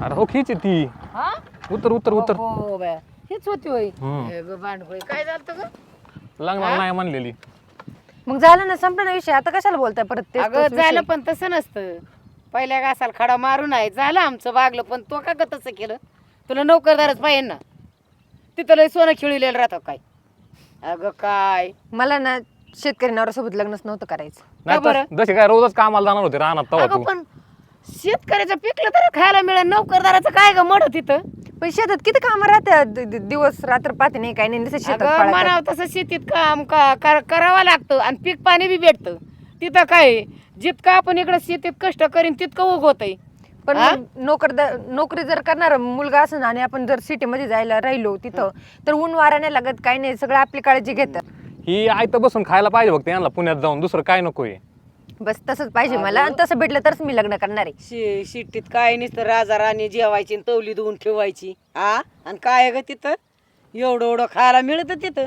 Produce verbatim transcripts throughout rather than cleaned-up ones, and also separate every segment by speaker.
Speaker 1: अरे हो खीच आहे ती.
Speaker 2: हा
Speaker 1: उतर उतर उतर.
Speaker 2: हो बया हेच होती होय
Speaker 1: हम्म.
Speaker 2: हे ग भांडखोळी काय झालं ग
Speaker 1: लग्नाला नाही म्हणलेली.
Speaker 3: मग झालं ना संपला ना विषय आता कशाला बोलताय परत तेच
Speaker 2: अगं
Speaker 3: तोच विषय?
Speaker 2: झालं पण तसं नसतं पहिल्या घासाला खडा मारून आहे झालं आमचं वागलं पण तो का ग तसं केलं तुला नोकरदारच पाहिजे ना तिथं लय सोनं खिळलेलं राहतं काय अगं काय
Speaker 3: मला ना शेतकरी नवऱ्यासोबत लग्नच नव्हतं करायचं.
Speaker 1: नाही
Speaker 2: का बरं?
Speaker 1: तर जसे काय रोजच कामाला जाणार होते रानात तवा
Speaker 2: अगं
Speaker 1: तू.
Speaker 2: पण शेतकऱ्याचं पिकलं तर खायला मिळेल नोकरदाराचं काय ग मड तिथं
Speaker 3: पण शेतात किती काम राहतात द- द- दिवस रात्र पाहते नाही काही नाही नुसतं शेतात
Speaker 2: अगं
Speaker 3: पळायचं.
Speaker 2: म्हणावं तसं शेतीत काम का कर- करावं लागतं आणि पीक पाणी बी भेटतं तिथं काय आहे? जितकं आपण इकडं शेतीत कष्ट करीन तितकं उगवतंय
Speaker 3: पण
Speaker 2: हा?
Speaker 3: मग नोकरदार नोकरी जर करणार मुलगा असं आणि आपण जर सिटी मध्ये जायला राहिलो तिथं तर ऊन वारा नाही लागत काही नाही सगळं आपली काळजी घेतात.
Speaker 1: ही आयतं बसून खायला पाहिजे बघ यांना पुण्यात जाऊन दुसरं काय नकोय.
Speaker 3: बस तसंच पाहिजे मला आणि तसं भेटलं तरच मी लग्न करणार आहे.
Speaker 2: शे शिट्टीत काय नसतं राजा राणी जेवायची आणि तवली धुवून ठेवायची आ आणि काय ग तिथं एवढं एवढं खायला मिळतं तिथं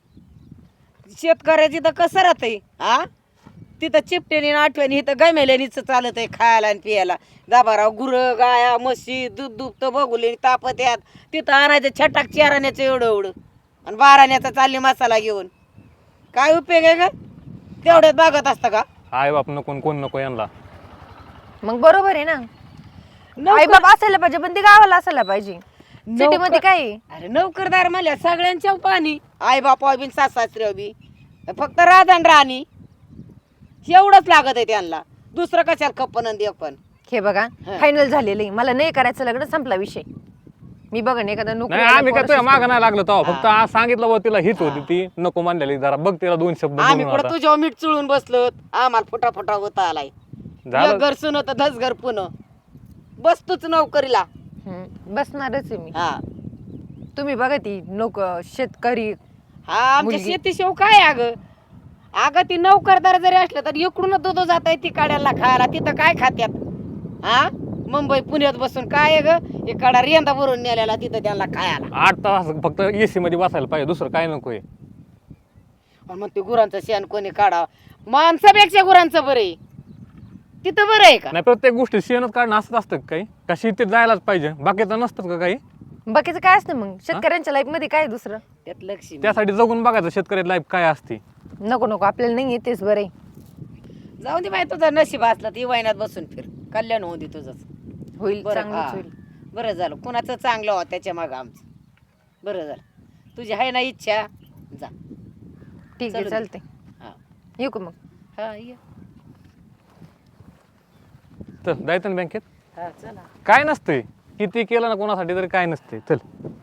Speaker 2: शेतकऱ्याची तर कसं राहतंय आ तिथं चिपटेने आणि आठवणी इथं गमेल्यानीच चालत आहे खायला आणि पियाला दाबाराव गुरं गाया म्हशी दूध दुभतं बघुले तापत यात तिथं आणायचं छटाक चाराण्याचं एवढं एवढं आणि बाराण्याचा चालली मसाला घेऊन काय उपयोग आहे का तेवढ्यात बागत असतं का
Speaker 1: आई बाप नको कोण नको यांना.
Speaker 3: मग बरोबर आहे ना आई
Speaker 2: नोकर-
Speaker 3: बाप असायला पाहिजे पण ते गावाला असायला पाहिजे. सिटी मध्ये
Speaker 2: नोकर-
Speaker 3: काय आहे?
Speaker 2: अरे नोकरदार म्हणल्या सगळ्यांच्या पाणी आई बापा बी सासऱ्या बी फक्त राधन राणी एवढंच लागत आहे त्यांना दुसरं कशाला खप्पन आणि देपन
Speaker 3: हे बघा
Speaker 2: हा.
Speaker 3: फायनल झालेलं आहे मला नाही करायचं लग्न संपला विषय. मी बघा एखादा नोकरी
Speaker 1: नाही आम्ही काय तुझ्या मागं नाही लागलो तेव्हा फक्त आज सांगितलं बघ तिला हीच होती ती नको म्हणलेली जरा बघ तिला दोन शब्द
Speaker 2: आम्ही
Speaker 1: बोलून
Speaker 2: पुढे
Speaker 1: आता.
Speaker 2: तुझ्यावर मीठ चुळून बसलो आम्हाला फुटा फुटा होता आलाय
Speaker 1: झालं.
Speaker 2: एक घर सुन होतं दस घर पुन्हा बसतोच नोकरीला
Speaker 3: हम्म, बसणारच आहे मी.
Speaker 2: हा
Speaker 3: तुम्ही बघा ती नोक शेतकरी
Speaker 2: हा आमच्या
Speaker 3: मुलगी.
Speaker 2: शेती शेव काय अगं अगं ती नोकरदार जरी असलं तर इकडूनच दूध जात आहे ती काड्याला खायला तिथं काय खात्यात हा मुंबई पुण्यात बसून काय आहे ग इकडा रेंदा भरून नेलेला तिथं त्यांना खायला
Speaker 1: आठ तास फक्त एसी मध्ये बसायला पाहिजे दुसरं काय नकोय.
Speaker 2: आणि मग ते गुरांचं शेण कोणी काढा माणसापेक्षा गुरांचं बरं आहे तिथं बरं आहे का
Speaker 1: नाही प्रत्येक गोष्टी शेणच काढणं असत असतं का काही का शेतीत जायलाच पाहिजे बाकीचं नसतं का काही.
Speaker 3: बाकीचं काय असतं मग शेतकऱ्यांच्या लाईफ मध्ये काय दुसरं
Speaker 2: त्यात लक्ष्मी
Speaker 1: त्यासाठी जगून बघायचं शेतकरी लाईफ काय असते.
Speaker 3: नको नको आपल्याला नाही येतेच बरं आहे.
Speaker 2: जाऊ दे बाई तुझं नशीब असलं ती वैनात बसून फिर कल्याण होऊ दे तुझंच
Speaker 3: होईल
Speaker 2: बरं
Speaker 3: चांगलंच
Speaker 2: हा.
Speaker 3: होईल.
Speaker 2: बरं झालं कुणाचं चांगलं हो त्याच्या मागं आमचं बरं झालं तुझी आहे ना इच्छा जा
Speaker 3: ठीक आहे
Speaker 2: चलू दे.
Speaker 3: चालते
Speaker 2: हा
Speaker 3: येऊ का मग.
Speaker 2: हा ये
Speaker 1: चल जायचं ना बँकेत
Speaker 2: हा चला
Speaker 1: काय नसतंय किती केलं ना कोणासाठी तरी काय नसते चल.